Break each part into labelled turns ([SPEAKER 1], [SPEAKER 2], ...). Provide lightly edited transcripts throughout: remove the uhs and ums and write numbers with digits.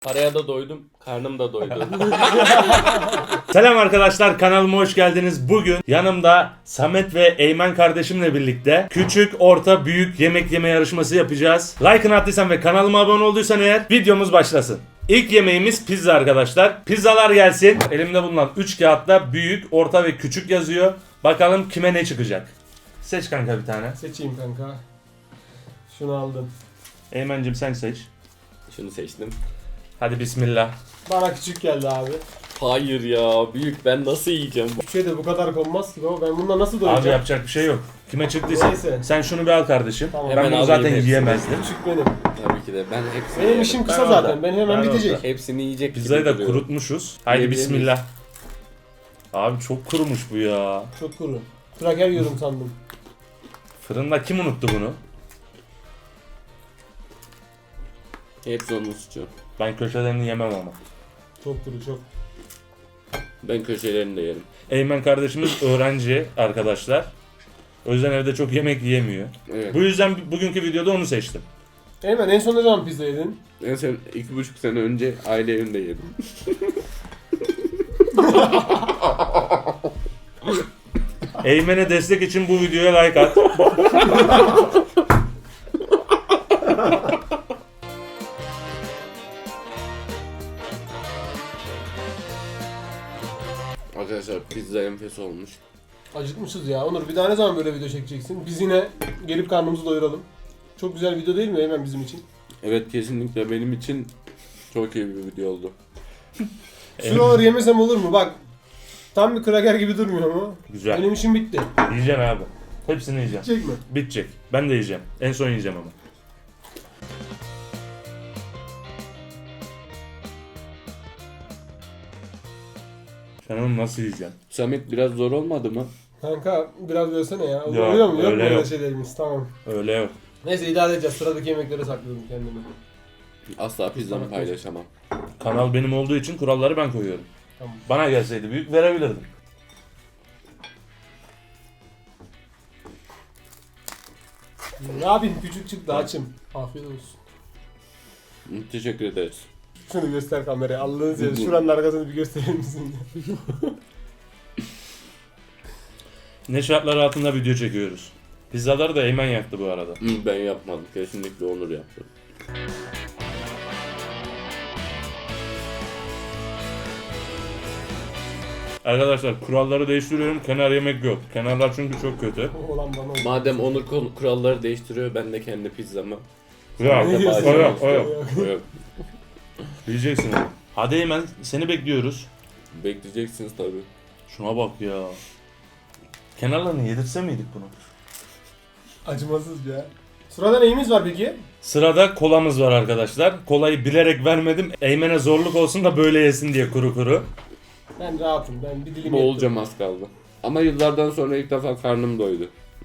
[SPEAKER 1] Paraya da doydum, karnım da doydu.
[SPEAKER 2] Selam arkadaşlar, kanalıma hoş geldiniz. Bugün yanımda Samet ve Eymen kardeşimle birlikte küçük, orta, büyük yemek yeme yarışması yapacağız. Like'ını attıysan ve kanalıma abone olduysan eğer videomuz başlasın. İlk yemeğimiz pizza arkadaşlar. Pizzalar gelsin. Elimde bulunan 3 kağıtta büyük, orta ve küçük yazıyor. Bakalım kime ne çıkacak. Seç kanka bir tane.
[SPEAKER 3] Seçeyim kanka. Şunu aldım.
[SPEAKER 2] Eymen'cim sen seç.
[SPEAKER 1] Şunu seçtim.
[SPEAKER 2] Hadi bismillah.
[SPEAKER 3] Bana küçük geldi abi.
[SPEAKER 1] Hayır ya, büyük, ben nasıl yiyeceğim?
[SPEAKER 3] Küçüğe şey de bu kadar konmaz ki baba. Ben bununla nasıl
[SPEAKER 2] Abi
[SPEAKER 3] doyacağım?
[SPEAKER 2] yapacak bir şey yok. Kime çıktıysa.
[SPEAKER 3] Neyse.
[SPEAKER 2] Sen şunu bir al kardeşim.
[SPEAKER 3] Tamam.
[SPEAKER 2] Ben
[SPEAKER 1] Hemen
[SPEAKER 2] bunu
[SPEAKER 1] alayım
[SPEAKER 2] zaten
[SPEAKER 1] hepsini.
[SPEAKER 2] yiyemezdim.
[SPEAKER 3] Küçük benim.
[SPEAKER 1] Tabii ki de, ben hepsini
[SPEAKER 3] Benim
[SPEAKER 1] yerim.
[SPEAKER 3] işim kısa
[SPEAKER 2] Ben
[SPEAKER 3] zaten.
[SPEAKER 2] orada.
[SPEAKER 3] Ben hemen
[SPEAKER 2] Ben
[SPEAKER 3] bitecek.
[SPEAKER 2] orada.
[SPEAKER 1] Hepsini yiyecek
[SPEAKER 2] Pizzayı
[SPEAKER 1] gibi
[SPEAKER 2] da
[SPEAKER 1] duruyor.
[SPEAKER 2] kurutmuşuz. Haydi
[SPEAKER 1] Yiyebilir
[SPEAKER 2] bismillah. Abi çok kurumuş bu ya.
[SPEAKER 3] Çok kuru. Kraker yiyorum sandım.
[SPEAKER 2] Fırında kim unuttu bunu?
[SPEAKER 1] Hepsi onun suçu.
[SPEAKER 2] Ben köşelerini yemem ama.
[SPEAKER 3] Çok kuru çok.
[SPEAKER 1] Ben köşelerini de yerim.
[SPEAKER 2] Eymen kardeşimiz öğrenci arkadaşlar. O yüzden evde çok yemek yiyemiyor.
[SPEAKER 1] Evet.
[SPEAKER 2] Bu yüzden bugünkü videoda onu seçtim.
[SPEAKER 3] Eymen en son ne zaman pizza yedin?
[SPEAKER 1] En son 2,5 sene önce aile evinde yedim.
[SPEAKER 2] Eymen'e destek için bu videoya like at.
[SPEAKER 1] Arkadaşlar pizza enfes olmuş.
[SPEAKER 3] Acıkmışız ya. Onur bir daha ne zaman böyle video çekeceksin? Biz yine gelip karnımızı doyuralım. Çok güzel video değil mi Eymen bizim için?
[SPEAKER 1] Evet, kesinlikle benim için çok iyi bir video oldu.
[SPEAKER 3] Şuraları yemesem olur mu? Bak. Tam bir kraker gibi durmuyor mu?
[SPEAKER 2] Güzel.
[SPEAKER 3] Benim işim bitti.
[SPEAKER 2] Yiyeceğim abi. Hepsini yiyeceğim.
[SPEAKER 3] Çek mi?
[SPEAKER 2] Bitecek. Ben de yiyeceğim. En son yiyeceğim ama. Sen onu nasıl yiyeceksin?
[SPEAKER 1] Samet biraz zor olmadı mı?
[SPEAKER 3] Kanka biraz bölsene ya.
[SPEAKER 2] Yok,
[SPEAKER 3] Oluyor mu? Yok mu
[SPEAKER 2] öyle
[SPEAKER 3] öyle
[SPEAKER 2] yok.
[SPEAKER 3] şeylerimiz? Tamam.
[SPEAKER 2] Öyle yok.
[SPEAKER 3] Neyse idare edeceğiz. Sıradaki yemeklere sakladım kendimi.
[SPEAKER 1] Asla pizzamı paylaşamam.
[SPEAKER 2] Kanal benim olduğu için kuralları ben koyuyorum.
[SPEAKER 3] Tamam.
[SPEAKER 2] Bana gelseydi büyük verebilirdim.
[SPEAKER 3] Ne yapayım? Küçük çıktı açım. Afiyet olsun.
[SPEAKER 1] Teşekkür ederiz.
[SPEAKER 3] Şunu göster kameraya. Allah'ını seversen şuranın arkasını bir gösterir misin?
[SPEAKER 2] Ne şartlar altında video çekiyoruz. Pizzaları da Eymen yaktı bu arada.
[SPEAKER 1] Ben yapmadım. Kesinlikle Onur yaptı.
[SPEAKER 2] Arkadaşlar kuralları değiştiriyorum. Kenar yemek yok. Kenarlar çünkü çok kötü.
[SPEAKER 3] Olan bana oldu.
[SPEAKER 1] Madem Onur kuralları değiştiriyor, ben de kendi pizzamı.
[SPEAKER 2] Ya,
[SPEAKER 3] Ne diyorsun?
[SPEAKER 2] o yok, o yok.
[SPEAKER 1] Yok.
[SPEAKER 2] Yiyeceksin onu. Hadi Eymen seni bekliyoruz.
[SPEAKER 1] Bekleyeceksiniz tabii.
[SPEAKER 2] Şuna bak ya. Kenarlarını yedirse miydik bunu?
[SPEAKER 3] Acımasız ya. Sırada neyimiz var peki?
[SPEAKER 2] Sırada kolamız var arkadaşlar. Kolayı bilerek vermedim. Eymen'e zorluk olsun da böyle yesin diye kuru kuru.
[SPEAKER 3] Ben rahatım. Ben bir dilim
[SPEAKER 1] Boğulacağım az kaldı. Ama yıllardan sonra ilk defa karnım doydu.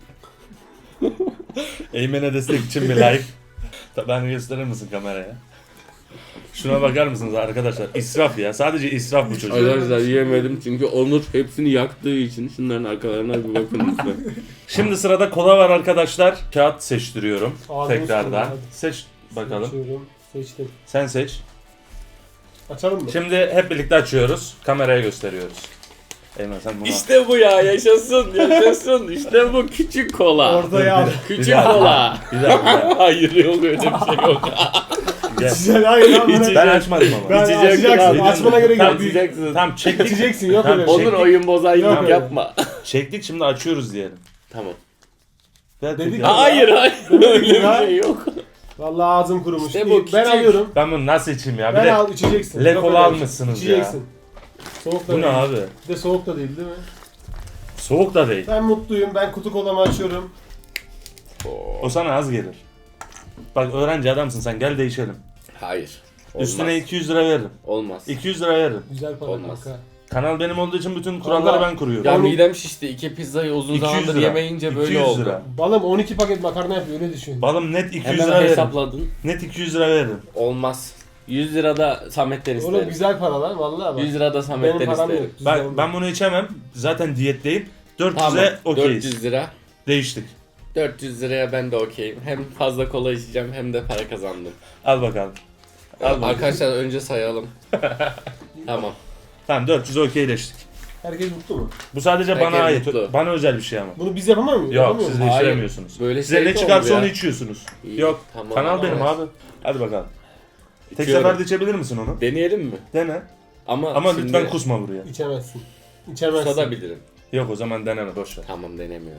[SPEAKER 2] Eymen'e destek için bir like. Beni gösterir misin kameraya? Şuna bakar mısınız arkadaşlar? İsraf ya. Sadece israf bu çocuk.
[SPEAKER 1] Arkadaşlar yiyemedim çünkü Onur hepsini yaktığı için şunların arkalarına bir bakın lütfen.
[SPEAKER 2] Şimdi sırada kola var arkadaşlar. Kağıt seçtiriyorum.
[SPEAKER 3] Ağzını
[SPEAKER 2] Tekrardan.
[SPEAKER 3] sıkıyorum, hadi.
[SPEAKER 2] Seç bakalım.
[SPEAKER 3] Açıyorum. Seçtim.
[SPEAKER 2] Sen seç.
[SPEAKER 3] Açalım mı?
[SPEAKER 2] Şimdi hep birlikte açıyoruz. Kameraya gösteriyoruz. Eymen sen bunu
[SPEAKER 1] İşte bu ya, yaşasın yaşasın. İşte bu küçük kola.
[SPEAKER 3] Ortaya al.
[SPEAKER 1] Küçük kola.
[SPEAKER 2] Bir dakika.
[SPEAKER 1] Hayır, yok öyle bir şey yok.
[SPEAKER 2] Gel.
[SPEAKER 3] Güzel hayır lan. bana-
[SPEAKER 2] Ben açmadım ama.
[SPEAKER 3] Ben
[SPEAKER 1] İçeceksin
[SPEAKER 3] açacaksın.
[SPEAKER 1] abi.
[SPEAKER 3] Açmana gerek yok.
[SPEAKER 1] İçeceksin.
[SPEAKER 2] Tamam çektik.
[SPEAKER 3] İçeceksin yok
[SPEAKER 2] Tamam,
[SPEAKER 3] öyle. bir şey.
[SPEAKER 1] Onur oyun bozaylık
[SPEAKER 3] Yok.
[SPEAKER 1] yapma.
[SPEAKER 2] Çektik şimdi açıyoruz diyelim.
[SPEAKER 1] Tamam.
[SPEAKER 2] Ver
[SPEAKER 3] Dedik
[SPEAKER 2] tekrar.
[SPEAKER 3] ya.
[SPEAKER 1] Hayır hayır, öyle bir
[SPEAKER 3] ya.
[SPEAKER 1] şey yok.
[SPEAKER 3] Vallahi ağzım kurumuş.
[SPEAKER 1] İşte bu
[SPEAKER 3] İyi, ben
[SPEAKER 1] küçük.
[SPEAKER 3] alıyorum.
[SPEAKER 2] Ben bunu nasıl içeyim ya? Bir
[SPEAKER 3] Ben
[SPEAKER 2] de
[SPEAKER 3] al içeceksin.
[SPEAKER 2] Le
[SPEAKER 3] Yok
[SPEAKER 2] kola
[SPEAKER 3] öyle bir şey.
[SPEAKER 2] almışsınız
[SPEAKER 3] İçeceksin. Soğuk da
[SPEAKER 2] bu ne
[SPEAKER 3] değil.
[SPEAKER 2] abi?
[SPEAKER 3] Bir de soğuk da değil değil mi?
[SPEAKER 2] Soğuk da değil.
[SPEAKER 3] Ben mutluyum. Ben kutu kolamı açıyorum.
[SPEAKER 2] O sana az gelir. Bak öğrenci adamsın sen gel değişelim.
[SPEAKER 1] Hayır. Olmaz.
[SPEAKER 2] Üstüne 200 lira veririm.
[SPEAKER 1] Olmaz.
[SPEAKER 2] 200 lira veririm.
[SPEAKER 3] Güzel para
[SPEAKER 1] Olmaz.
[SPEAKER 3] kanka.
[SPEAKER 2] Kanal benim olduğu için bütün kuralları
[SPEAKER 3] Allah.
[SPEAKER 2] ben kuruyorum.
[SPEAKER 1] Ya
[SPEAKER 3] Oğlum-
[SPEAKER 1] midem şişti. 2 pizzayı uzun
[SPEAKER 2] 200
[SPEAKER 1] zamandır
[SPEAKER 2] lira.
[SPEAKER 1] yemeyince böyle
[SPEAKER 2] 200
[SPEAKER 1] oldu.
[SPEAKER 2] lira.
[SPEAKER 3] Balım 12 paket makarna yapıyor öyle düşün.
[SPEAKER 2] Balım net 200
[SPEAKER 1] Hemen
[SPEAKER 2] lira veririm.
[SPEAKER 1] hesapladın.
[SPEAKER 2] Net 200 lira veririm.
[SPEAKER 1] Olmaz. 100 lira da Samet'ten
[SPEAKER 3] Oğlum
[SPEAKER 1] isterim.
[SPEAKER 3] güzel para lan vallahi bak.
[SPEAKER 1] 100 lira da
[SPEAKER 3] Benim
[SPEAKER 1] Samet'ten
[SPEAKER 3] param yok.
[SPEAKER 1] isterim.
[SPEAKER 2] Ben bunu içemem. Zaten diyetteyim. 400'e
[SPEAKER 1] Tamam.
[SPEAKER 2] okeyiz.
[SPEAKER 1] 400 lira.
[SPEAKER 2] Değiştik.
[SPEAKER 1] 400 liraya ben de okeyim. Hem fazla kola içeceğim hem de para kazandım.
[SPEAKER 2] Al bakalım.
[SPEAKER 1] Arkadaşlar önce sayalım. Tamam.
[SPEAKER 2] Tamam 400 okeyleştik.
[SPEAKER 3] Herkes mutlu mu?
[SPEAKER 2] Bu sadece
[SPEAKER 1] Herkes
[SPEAKER 2] bana ait.
[SPEAKER 1] mutlu.
[SPEAKER 2] Bana özel bir şey ama.
[SPEAKER 3] Bunu biz yapamıyor muyuz?
[SPEAKER 2] Yok
[SPEAKER 3] Yapamıyor
[SPEAKER 2] siz
[SPEAKER 3] muyuz?
[SPEAKER 2] de
[SPEAKER 1] Hayır.
[SPEAKER 2] içiremiyorsunuz.
[SPEAKER 1] Böyle
[SPEAKER 2] Size
[SPEAKER 1] şey
[SPEAKER 2] ne
[SPEAKER 1] de
[SPEAKER 2] çıkarsa
[SPEAKER 1] olur
[SPEAKER 2] onu
[SPEAKER 1] ya.
[SPEAKER 2] içiyorsunuz.
[SPEAKER 1] İyi,
[SPEAKER 2] Yok
[SPEAKER 1] tamam.
[SPEAKER 2] kanal benim
[SPEAKER 1] Evet.
[SPEAKER 2] abi. Hadi bakalım. Tek
[SPEAKER 1] İçiyorum.
[SPEAKER 2] seferde içebilir misin onu?
[SPEAKER 1] Deneyelim mi?
[SPEAKER 2] Dene.
[SPEAKER 1] Ama
[SPEAKER 2] Ama lütfen kusma buraya.
[SPEAKER 3] İçemezsin. İçemezsin.
[SPEAKER 1] Kusabilirim.
[SPEAKER 2] Yok o zaman deneme boş ver.
[SPEAKER 1] Tamam denemiyorum.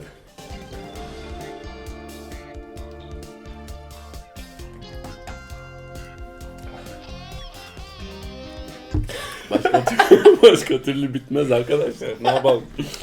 [SPEAKER 1] Başka türlü bitmez arkadaşlar. Ne yapalım?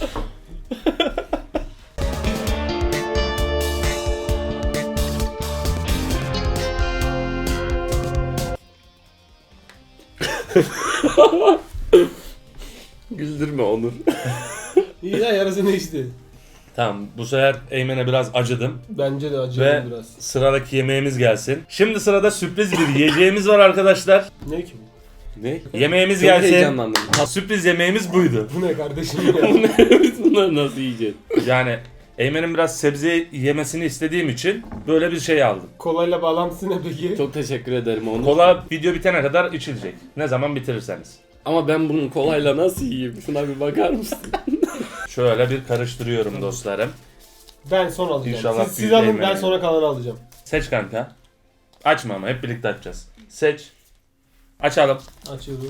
[SPEAKER 1] Güldürme Onur.
[SPEAKER 3] İyi ya yarısını içti.
[SPEAKER 2] Tamam bu sefer Eymen'e biraz acıdım.
[SPEAKER 3] Bence de
[SPEAKER 2] Ve
[SPEAKER 3] acıyor biraz.
[SPEAKER 2] sıradaki yemeğimiz gelsin. Şimdi sırada sürpriz bir yiyeceğimiz var arkadaşlar.
[SPEAKER 3] Ne ki bu?
[SPEAKER 1] Ne?
[SPEAKER 2] Yemeğimiz
[SPEAKER 1] Çok
[SPEAKER 2] gelsin.
[SPEAKER 1] heyecanlandım.
[SPEAKER 2] Sürpriz yemeğimiz buydu.
[SPEAKER 3] Bu ne kardeşim ya?
[SPEAKER 1] Biz bunları nasıl yiyeceğiz?
[SPEAKER 2] Yani Eymen'in biraz sebze yemesini istediğim için böyle bir şey aldım.
[SPEAKER 3] Kolayla bağlantısı ne peki?
[SPEAKER 1] Çok teşekkür ederim Onur.
[SPEAKER 2] Kola video bitene kadar içilecek. Ne zaman bitirirseniz.
[SPEAKER 1] Ama ben bunun kolayla nasıl yiyeyim? Şuna bir bakar mısın?
[SPEAKER 2] Şöyle bir karıştırıyorum dostlarım.
[SPEAKER 3] Ben son alacağım.
[SPEAKER 2] İnşallah
[SPEAKER 3] Siz
[SPEAKER 2] büyük
[SPEAKER 3] alın ben
[SPEAKER 2] yemeği.
[SPEAKER 3] sonra kalanı alacağım.
[SPEAKER 2] Seç kanka. Açma ama hep birlikte açacağız. Seç. Açalım.
[SPEAKER 3] Açıyoruz.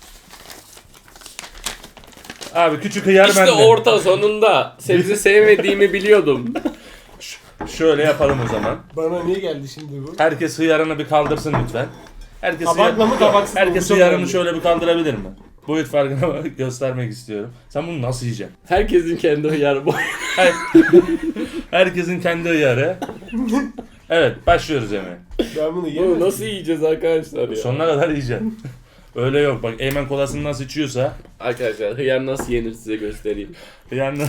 [SPEAKER 2] Abi küçük hıyar
[SPEAKER 1] İşte
[SPEAKER 2] bende.
[SPEAKER 1] orta sonunda. Sebze sevmediğimi biliyordum.
[SPEAKER 2] Şöyle yapalım o zaman.
[SPEAKER 3] Bana niye geldi şimdi bu?
[SPEAKER 2] Herkes hıyarını bir kaldırsın lütfen. Herkes
[SPEAKER 3] Tabakla mı tabaksız mı?
[SPEAKER 2] Herkes
[SPEAKER 3] Bu çok
[SPEAKER 2] hıyarını
[SPEAKER 3] önemli.
[SPEAKER 2] şöyle bir kaldırabilir mi? Boyut farkını göstermek istiyorum. Sen bunu nasıl yiyeceksin?
[SPEAKER 1] Herkesin kendi hıyarı boy.
[SPEAKER 2] Herkesin kendi hıyarı. Evet başlıyoruz yemeğe.
[SPEAKER 3] Ben bunu
[SPEAKER 1] Bunu
[SPEAKER 3] yiyemem.
[SPEAKER 1] nasıl yiyeceğiz arkadaşlar ya?
[SPEAKER 2] Sonuna kadar yiyeceksin. Öyle yok bak Eymen kolasını nasıl içiyorsa
[SPEAKER 1] Arkadaşlar hıyar nasıl yenir size göstereyim.
[SPEAKER 2] yani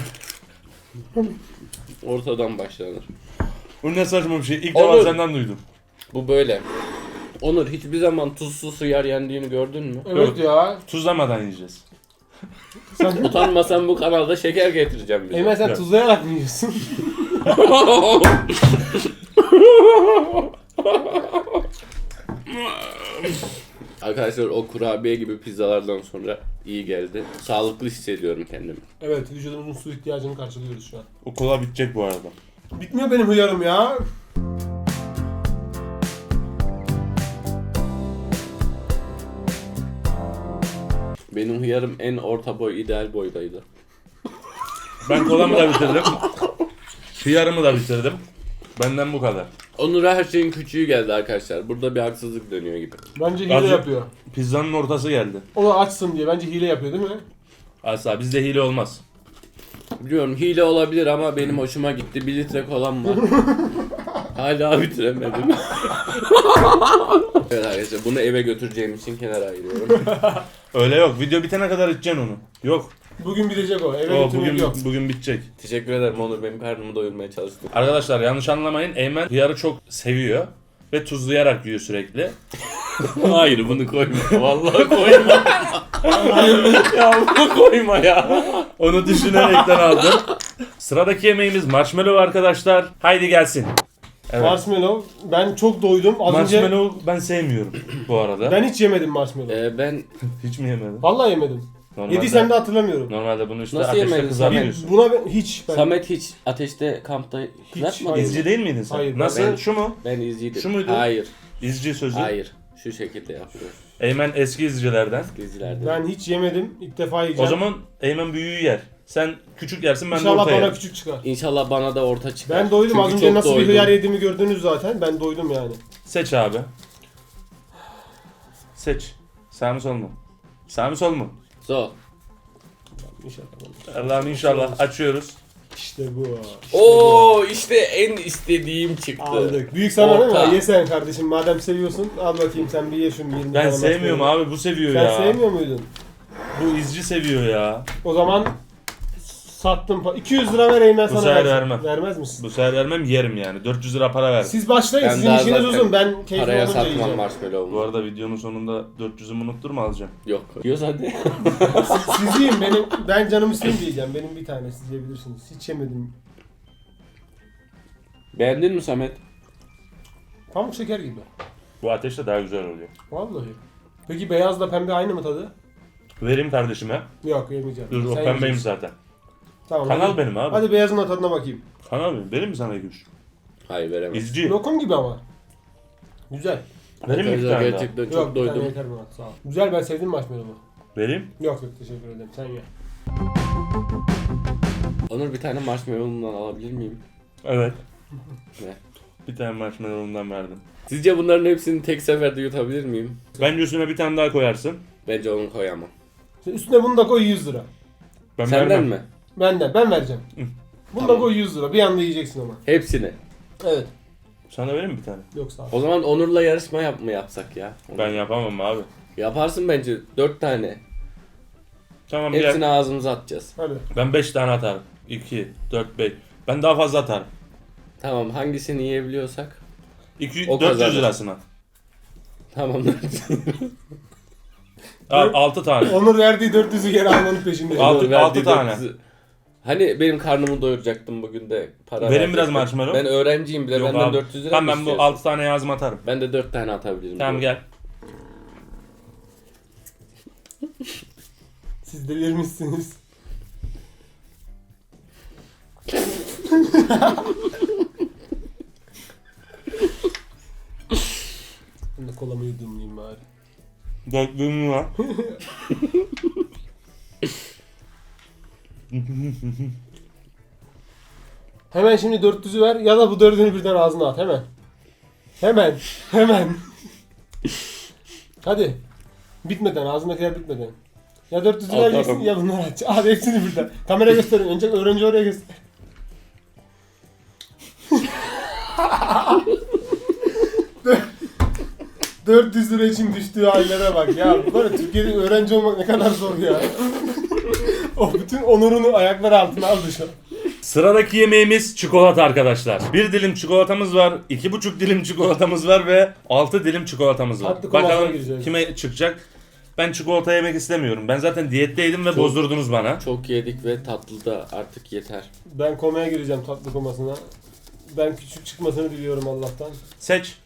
[SPEAKER 1] Ortadan başlanır.
[SPEAKER 2] bu ne saçma bir şey. İlk
[SPEAKER 1] Olur.
[SPEAKER 2] defa senden duydum.
[SPEAKER 1] Bu böyle. Onur hiçbir zaman tuzsuz hıyar yendiğini gördün mü?
[SPEAKER 3] Evet ya.
[SPEAKER 2] Tuzlamadan yiyeceğiz.
[SPEAKER 3] Sen
[SPEAKER 1] Utanmasan bu kanalda şeker getireceğim bize.
[SPEAKER 3] Eymen sen
[SPEAKER 2] Evet.
[SPEAKER 3] tuzlayarak mı yiyorsun?
[SPEAKER 1] Arkadaşlar o kurabiye gibi pizzalardan sonra iyi geldi. Sağlıklı hissediyorum kendimi.
[SPEAKER 3] Evet vücudumuzun su ihtiyacını karşılıyoruz şu an.
[SPEAKER 2] O kola bitecek bu arada.
[SPEAKER 3] Bitmiyor benim hıyarım ya.
[SPEAKER 1] Benim hıyarım en orta boy, ideal boydaydı.
[SPEAKER 2] Ben kolamı da bitirdim. Hıyarımı da bitirdim. Benden bu kadar.
[SPEAKER 1] Onur'a her şeyin küçüğü geldi arkadaşlar. Burada bir haksızlık dönüyor gibi.
[SPEAKER 3] Bence hile
[SPEAKER 2] Azıcık-
[SPEAKER 3] yapıyor.
[SPEAKER 2] Pizzanın ortası geldi.
[SPEAKER 3] O da açsın diye bence hile yapıyor değil mi?
[SPEAKER 2] Asla bizde hile olmaz.
[SPEAKER 1] Biliyorum hile olabilir ama benim hoşuma gitti. 1 litre kolam var. Hala bitiremedim. Evet arkadaşlar bunu eve götüreceğim için kenara ayırıyorum.
[SPEAKER 2] Öyle yok. Video bitene kadar içeceksin onu. Yok.
[SPEAKER 3] Bugün bitecek o. Eve
[SPEAKER 2] O
[SPEAKER 3] götürmek
[SPEAKER 2] bugün
[SPEAKER 3] yok.
[SPEAKER 2] bugün bitecek.
[SPEAKER 1] Teşekkür ederim Onur, benim karnımı doyurmaya çalıştın.
[SPEAKER 2] Arkadaşlar yanlış anlamayın. Eymen hıyarı çok seviyor ve tuzlayarak yiyor sürekli.
[SPEAKER 1] Hayır bunu koyma. Vallahi koyma. Ya bunu koyma ya.
[SPEAKER 2] Onu düşünerekten aldım. Sıradaki yemeğimiz marshmallow arkadaşlar. Haydi gelsin. Evet.
[SPEAKER 3] Marshmallow. Ben çok doydum. Az önce
[SPEAKER 2] Marshmallow ben sevmiyorum bu arada.
[SPEAKER 3] ben hiç yemedim marshmallow.
[SPEAKER 1] Ben
[SPEAKER 2] Hiç mi yemedin?
[SPEAKER 3] Vallahi yemedim.
[SPEAKER 2] Normalde,
[SPEAKER 3] Yediysen de hatırlamıyorum.
[SPEAKER 2] Normalde bunu işte
[SPEAKER 1] Nasıl
[SPEAKER 2] ateşte
[SPEAKER 1] yemedin
[SPEAKER 2] kızartıyorsun.
[SPEAKER 3] Buna ben hiç. Ben,
[SPEAKER 1] Samet hiç ateşte kampta kızartmadın
[SPEAKER 3] hayır.
[SPEAKER 1] mı?
[SPEAKER 2] İzci değil miydin sen?
[SPEAKER 3] Hayır,
[SPEAKER 2] Nasıl?
[SPEAKER 1] ben-
[SPEAKER 2] Şu mu?
[SPEAKER 1] Ben izciydim.
[SPEAKER 2] Şu muydu?
[SPEAKER 1] Hayır.
[SPEAKER 2] İzci sözü.
[SPEAKER 1] Hayır. Şu şekilde yapıyoruz.
[SPEAKER 2] Eymen eski izcilerden.
[SPEAKER 1] Gezilerde.
[SPEAKER 3] ben hiç yemedim. İlk defa
[SPEAKER 2] O
[SPEAKER 3] yiyeceğim.
[SPEAKER 2] zaman Eymen büyüğü yer. Sen küçük yersin ben de
[SPEAKER 3] İnşallah
[SPEAKER 2] orta
[SPEAKER 3] bana
[SPEAKER 2] yerim.
[SPEAKER 3] küçük çıkar.
[SPEAKER 1] İnşallah bana da orta çıkar.
[SPEAKER 3] Ben doydum.
[SPEAKER 1] Çünkü
[SPEAKER 3] Az önce
[SPEAKER 1] çok
[SPEAKER 3] nasıl bir
[SPEAKER 1] doydum.
[SPEAKER 3] hıyar yediğimi gördünüz zaten. Ben doydum yani.
[SPEAKER 2] Seç abi. Seç. Sağ mı sol mu? Sağ mı sol mu?
[SPEAKER 1] So.
[SPEAKER 3] İnşallah.
[SPEAKER 2] Allah'ım inşallah açıyoruz.
[SPEAKER 3] İşte bu.
[SPEAKER 1] Oo işte en istediğim çıktı.
[SPEAKER 3] Aldık. Büyük sana değil
[SPEAKER 1] Orta.
[SPEAKER 3] mi? Ye sen kardeşim. Madem seviyorsun al bakayım sen bir ye şunu 20
[SPEAKER 2] Ben
[SPEAKER 3] tane
[SPEAKER 2] sevmiyorum
[SPEAKER 3] marshmallow.
[SPEAKER 2] abi bu seviyor
[SPEAKER 3] Sen
[SPEAKER 2] ya.
[SPEAKER 3] sevmiyor muydun?
[SPEAKER 2] Bu izci seviyor ya.
[SPEAKER 3] O zaman sattım. 200 lira vereyim ben
[SPEAKER 2] Bu
[SPEAKER 3] sana.
[SPEAKER 2] sefer
[SPEAKER 3] versin.
[SPEAKER 2] vermem.
[SPEAKER 3] Vermez misin?
[SPEAKER 2] Bu sefer vermem yerim yani. 400 lira para verdim.
[SPEAKER 3] Siz başlayın.
[SPEAKER 1] Ben
[SPEAKER 3] Sizin
[SPEAKER 1] daha
[SPEAKER 3] işiniz
[SPEAKER 1] zaten
[SPEAKER 3] uzun. Ben keyfim
[SPEAKER 1] Paraya
[SPEAKER 3] olunca
[SPEAKER 1] satmam
[SPEAKER 3] yiyeceğim.
[SPEAKER 1] marshmallow'umu.
[SPEAKER 2] Bu arada videonun sonunda 400'ümü unutturma alacağım.
[SPEAKER 1] Yok. Yiyoruz hadi.
[SPEAKER 3] Siz yiyin. Ben canım isteyince yiyeceğim. Benim bir tane siz yiyebilirsiniz. Hiç yemedim.
[SPEAKER 1] Beğendin mi Samet?
[SPEAKER 3] Pamuk şeker gibi.
[SPEAKER 2] Bu ateşte daha güzel oluyor.
[SPEAKER 3] Vallahi. Peki beyazla pembe aynı mı tadı?
[SPEAKER 2] Vereyim kardeşime.
[SPEAKER 3] Yok yemeyeceğim.
[SPEAKER 2] Dur o
[SPEAKER 3] Sen
[SPEAKER 2] pembeyim
[SPEAKER 3] yiyeceksin.
[SPEAKER 2] zaten.
[SPEAKER 3] Tamam.
[SPEAKER 2] Kanal
[SPEAKER 3] hadi.
[SPEAKER 2] benim abi.
[SPEAKER 3] Hadi beyazın da tadına bakayım.
[SPEAKER 2] Kanal benim. Vereyim mi sana 2-3?
[SPEAKER 1] Hayır veremem.
[SPEAKER 2] İzci.
[SPEAKER 3] Lokum gibi ama. Güzel.
[SPEAKER 2] Vereyim mi 2
[SPEAKER 1] Arkadaşlar
[SPEAKER 2] tane daha?
[SPEAKER 1] gerçekten
[SPEAKER 3] Yok
[SPEAKER 1] çok
[SPEAKER 3] bir tane
[SPEAKER 1] doydum.
[SPEAKER 3] yeter bana sağ ol. Güzel ben sevdim marshmallow'u.
[SPEAKER 2] Vereyim.
[SPEAKER 3] Yok teşekkür ederim sen ye.
[SPEAKER 1] Onur bir tane marshmallow'undan alabilir miyim?
[SPEAKER 2] Evet.
[SPEAKER 1] Ne?
[SPEAKER 2] Bir tane marshmallow'umdan verdim.
[SPEAKER 1] Sizce bunların hepsini tek seferde yutabilir miyim?
[SPEAKER 2] Bence üstüne bir tane daha koyarsın.
[SPEAKER 1] Bence onu koyamam.
[SPEAKER 3] Şimdi üstüne bunu da koy 100 lira.
[SPEAKER 2] Ben
[SPEAKER 1] Senden
[SPEAKER 2] vermem.
[SPEAKER 1] mi?
[SPEAKER 3] Benden ben vereceğim. Bunu
[SPEAKER 1] Tamam.
[SPEAKER 3] da koy 100 lira. Bir anda yiyeceksin ama.
[SPEAKER 1] Hepsini.
[SPEAKER 3] Evet.
[SPEAKER 2] Sana vereyim mi bir tane?
[SPEAKER 3] Yok sağ ol.
[SPEAKER 1] O zaman Onur'la yarışma mı yapsak ya?
[SPEAKER 2] Ben yapamam abi.
[SPEAKER 1] Yaparsın bence 4 tane.
[SPEAKER 2] Tamam
[SPEAKER 1] Hepsini
[SPEAKER 2] gel.
[SPEAKER 1] ağzımıza atacağız.
[SPEAKER 3] Hadi.
[SPEAKER 2] Ben 5 tane atarım. 2, 4, 5. Ben daha fazla atarım.
[SPEAKER 1] Tamam hangisini yiyebiliyorsak.
[SPEAKER 2] 2,
[SPEAKER 1] O
[SPEAKER 2] 400
[SPEAKER 1] kazanır.
[SPEAKER 2] lirasına.
[SPEAKER 1] Tamam.
[SPEAKER 2] Al 6 tane.
[SPEAKER 3] Onur verdiği 400'ü geri almanın peşinde.
[SPEAKER 2] Altı-
[SPEAKER 1] Onur verdiği
[SPEAKER 2] tane.
[SPEAKER 1] 400'ü. Hani benim karnımı doyuracaktım bugün de para
[SPEAKER 2] Verin biraz
[SPEAKER 1] verecektim.
[SPEAKER 2] marshmallow.
[SPEAKER 1] Ben öğrenciyim bile
[SPEAKER 2] Yok
[SPEAKER 1] benden
[SPEAKER 2] abi.
[SPEAKER 1] 400 lira
[SPEAKER 2] Tamam
[SPEAKER 1] mı
[SPEAKER 2] ben bu
[SPEAKER 1] istiyorsun?
[SPEAKER 2] 6 tane yazma atarım.
[SPEAKER 1] Ben de 4 tane atabilirim.
[SPEAKER 2] Tamam gel.
[SPEAKER 3] Siz delirmişsiniz. Ben de kolamı yudumlayayım bari.
[SPEAKER 2] 4 var.
[SPEAKER 3] Hemen şimdi 400'ü ver ya da bu 4'ünü birden ağzına at hemen. Hemen. Hemen. Hadi. Bitmeden ağzındakiler bitmeden. Ya 400'ü
[SPEAKER 1] Atarım.
[SPEAKER 3] vereceksin ya bunları aç. Hadi hepsini birden. Kamera gösterin. Önce öğrenci oraya göster. ...400 lira için düştüğü hallere bak ya. Böyle Türkiye'de öğrenci olmak ne kadar zor ya. O bütün onurunu ayaklar altına aldı şu an.
[SPEAKER 2] Sıradaki yemeğimiz çikolata arkadaşlar. 1 dilim çikolatamız var, 2,5 dilim çikolatamız var ve 6 dilim çikolatamız var.
[SPEAKER 3] Tatlı komasına
[SPEAKER 2] Bakalım
[SPEAKER 3] gireceğiz.
[SPEAKER 2] kime çıkacak. Ben çikolata yemek istemiyorum. Ben zaten diyetteydim ve
[SPEAKER 1] Çok-
[SPEAKER 2] bozdurdunuz bana.
[SPEAKER 1] Çok yedik ve tatlı da artık yeter.
[SPEAKER 3] Ben komaya gireceğim tatlı komasına. Ben küçük çıkmasını diliyorum Allah'tan.
[SPEAKER 2] Seç.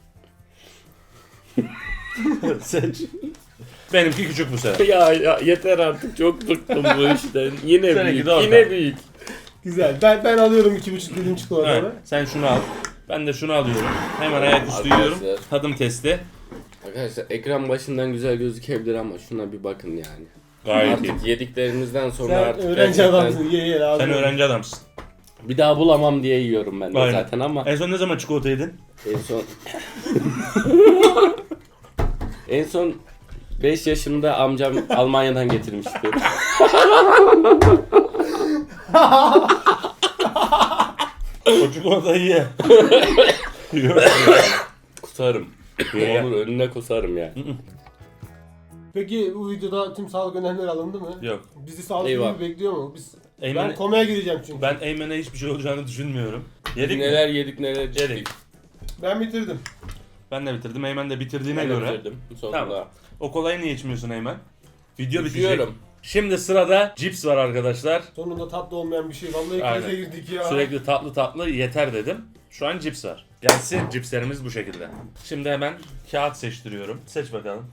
[SPEAKER 2] Seç. Benimki küçük bu sefer.
[SPEAKER 1] ya yeter artık çok bıktım bu işten. Yine
[SPEAKER 2] Seninki
[SPEAKER 1] büyük,
[SPEAKER 2] de orta.
[SPEAKER 1] yine büyük.
[SPEAKER 3] Güzel. Ben alıyorum 2,5 dilim çikolatamı.
[SPEAKER 2] Evet, sen şunu al. Ben de şunu alıyorum. Hemen ayaküstü
[SPEAKER 1] Arkadaşlar.
[SPEAKER 2] yiyorum. Tadım testi.
[SPEAKER 1] Arkadaşlar ekran başından güzel gözükebilir ama şuna bir bakın yani.
[SPEAKER 2] Gayet iyi.
[SPEAKER 1] Artık yediklerimizden sonra
[SPEAKER 3] Sen
[SPEAKER 1] artık
[SPEAKER 3] öğrenci
[SPEAKER 1] gerçekten
[SPEAKER 3] adamsın. Ye lazım.
[SPEAKER 2] Sen öğrenci adamsın.
[SPEAKER 1] bir daha bulamam diye yiyorum ben de
[SPEAKER 2] Aynen.
[SPEAKER 1] zaten ama
[SPEAKER 2] En son ne zaman çikolata yedin?
[SPEAKER 1] en son en son 5 yaşımda amcam Almanya'dan getirmişti.
[SPEAKER 2] O çikolatayı ye. Yok.
[SPEAKER 1] Kusarım.
[SPEAKER 2] Ye.
[SPEAKER 1] Olur önüne kusarım ya.
[SPEAKER 3] Peki bu videoda tüm sağlık önlemleri alındı mı?
[SPEAKER 2] Yok.
[SPEAKER 3] Bizi sağlık
[SPEAKER 1] Eyvah.
[SPEAKER 3] gibi bekliyor mu? Ben
[SPEAKER 2] Eymen,
[SPEAKER 3] komaya gireceğim çünkü.
[SPEAKER 2] ben Eymen'e hiçbir şey olacağını düşünmüyorum. Yedik mi?
[SPEAKER 1] Neler yedik neler yedik.
[SPEAKER 2] Yedik.
[SPEAKER 3] Ben bitirdim.
[SPEAKER 2] Ben de bitirdim. Eymen de bitirdiğine
[SPEAKER 1] Ben de
[SPEAKER 2] göre.
[SPEAKER 1] bitirdim sonunda.
[SPEAKER 2] Tamam. O kolayı niye içmiyorsun Eymen? Video bitecek.
[SPEAKER 1] Bitiyorum.
[SPEAKER 2] Şimdi sırada cips var arkadaşlar.
[SPEAKER 3] Sonunda tatlı olmayan bir şey. Vallahi
[SPEAKER 2] Aynen.
[SPEAKER 3] krize girdik ya.
[SPEAKER 2] Sürekli tatlı yeter dedim. Şu an cips var. Gelsin cipslerimiz bu şekilde. Şimdi hemen kağıt seçtiriyorum. Seç bakalım.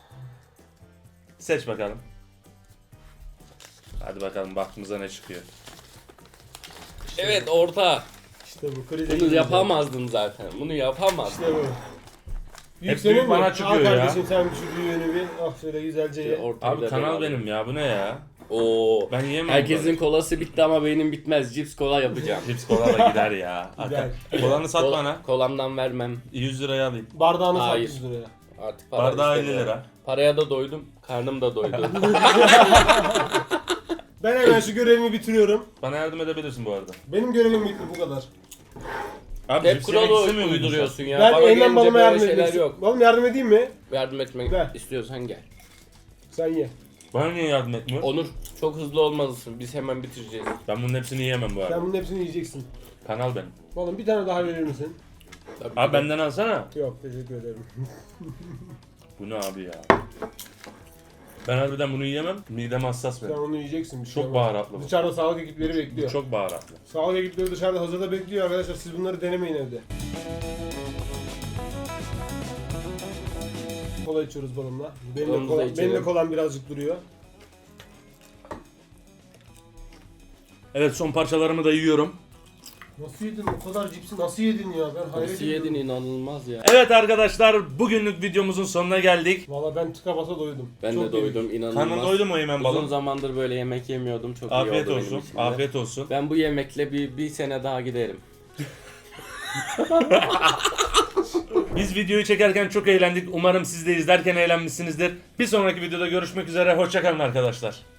[SPEAKER 2] Seç bakalım. Hadi bakalım baktığımızda ne çıkıyor.
[SPEAKER 1] Evet orta.
[SPEAKER 3] İşte bu krize
[SPEAKER 1] Bunu
[SPEAKER 3] girdik.
[SPEAKER 1] yapamazdım zaten. Bunu yapamazdım.
[SPEAKER 3] İşte bu. Büyük
[SPEAKER 2] Hep
[SPEAKER 3] senin
[SPEAKER 2] büyük
[SPEAKER 3] mi?
[SPEAKER 2] bana
[SPEAKER 3] Al
[SPEAKER 2] çıkıyor ya.
[SPEAKER 3] kardeşim sen şu büyüğünü bir. Ah şöyle güzelce ye.
[SPEAKER 1] Ortayı
[SPEAKER 2] Abi
[SPEAKER 1] da
[SPEAKER 2] kanal
[SPEAKER 1] ben
[SPEAKER 2] benim ya bu ne ya?
[SPEAKER 1] Oo.
[SPEAKER 2] Ben yiyemem.
[SPEAKER 1] Herkesin
[SPEAKER 2] böyle.
[SPEAKER 1] kolası bitti ama benim bitmez. Cips kola yapacağım.
[SPEAKER 2] Cips kola da gider ya.
[SPEAKER 3] Gider.
[SPEAKER 2] Kolanı sat bana.
[SPEAKER 1] Kolamdan vermem.
[SPEAKER 2] 100 liraya alayım.
[SPEAKER 3] Bardağını sat
[SPEAKER 1] Hayır.
[SPEAKER 3] 100 liraya.
[SPEAKER 1] Artık para
[SPEAKER 2] Bardağı 50
[SPEAKER 1] istemiyorum.
[SPEAKER 2] lira.
[SPEAKER 1] Paraya da doydum. Karnım da doydu.
[SPEAKER 3] Ben hemen şu görevimi bitiriyorum.
[SPEAKER 2] Bana yardım edebilirsin bu arada.
[SPEAKER 3] Benim görevim bitti bu kadar.
[SPEAKER 2] Abi
[SPEAKER 1] Hep
[SPEAKER 2] cips yemek
[SPEAKER 1] kuralı
[SPEAKER 2] istemiyor muydun
[SPEAKER 1] uyduruyorsun ya.
[SPEAKER 3] Ben
[SPEAKER 1] Bana
[SPEAKER 3] Eymen
[SPEAKER 1] gelince
[SPEAKER 3] babama
[SPEAKER 1] böyle
[SPEAKER 3] yardım
[SPEAKER 1] şeyler
[SPEAKER 3] etmek
[SPEAKER 1] yok.
[SPEAKER 3] Oğlum yardım edeyim mi?
[SPEAKER 1] Yardım etmek
[SPEAKER 3] Ver.
[SPEAKER 1] istiyorsan gel.
[SPEAKER 3] Sen ye.
[SPEAKER 2] sen? Bana niye yardım etmiyorsun?
[SPEAKER 1] Onur çok hızlı olmalısın. Biz hemen bitireceğiz.
[SPEAKER 2] Ben bunun hepsini yiyemem bu
[SPEAKER 3] Sen
[SPEAKER 2] arada.
[SPEAKER 3] bunun hepsini yiyeceksin.
[SPEAKER 2] Kanal benim.
[SPEAKER 3] Oğlum bir tane daha verir misin?
[SPEAKER 1] Tabii
[SPEAKER 2] Abi
[SPEAKER 1] ki.
[SPEAKER 2] benden alsana.
[SPEAKER 3] Yok teşekkür ederim.
[SPEAKER 2] Bu ne abi ya? Ben harbiden bunu yiyemem. Midem hassas
[SPEAKER 3] Sen
[SPEAKER 2] benim.
[SPEAKER 3] onu yiyeceksin. Bir şey
[SPEAKER 2] Çok
[SPEAKER 3] olmaz.
[SPEAKER 2] baharatlı bu.
[SPEAKER 3] Dışarıda sağlık ekipleri bekliyor.
[SPEAKER 2] Çok baharatlı.
[SPEAKER 3] Sağlık ekipleri dışarıda hazırda bekliyor arkadaşlar. Siz bunları denemeyin evde. kola içiyoruz balımla.
[SPEAKER 1] Balımızı da içelim.
[SPEAKER 3] Benim de kolam birazcık duruyor.
[SPEAKER 2] Evet, son parçalarımı da yiyorum.
[SPEAKER 3] Nasıl yedin? O kadar cipsi nasıl yedin ya? Ben hayret
[SPEAKER 1] Nasıl
[SPEAKER 3] ediyorum.
[SPEAKER 1] yedin, inanılmaz ya.
[SPEAKER 2] Evet arkadaşlar, bugünlük videomuzun sonuna geldik.
[SPEAKER 3] Valla ben tıka basa doydum.
[SPEAKER 1] Ben
[SPEAKER 3] Çok
[SPEAKER 1] de doydum,
[SPEAKER 3] yedik.
[SPEAKER 1] inanılmaz.
[SPEAKER 2] Karnın doydu mu Eymen
[SPEAKER 1] Uzun
[SPEAKER 2] balım?
[SPEAKER 1] zamandır böyle yemek yemiyordum. Çok iyi
[SPEAKER 2] Afiyet
[SPEAKER 1] oldu
[SPEAKER 2] olsun.
[SPEAKER 1] benim için de.
[SPEAKER 2] Afiyet olsun.
[SPEAKER 1] Ben bu yemekle bir sene daha giderim.
[SPEAKER 2] Biz videoyu çekerken çok eğlendik. Umarım siz de izlerken eğlenmişsinizdir. Bir sonraki videoda görüşmek üzere. Hoşça kalın arkadaşlar.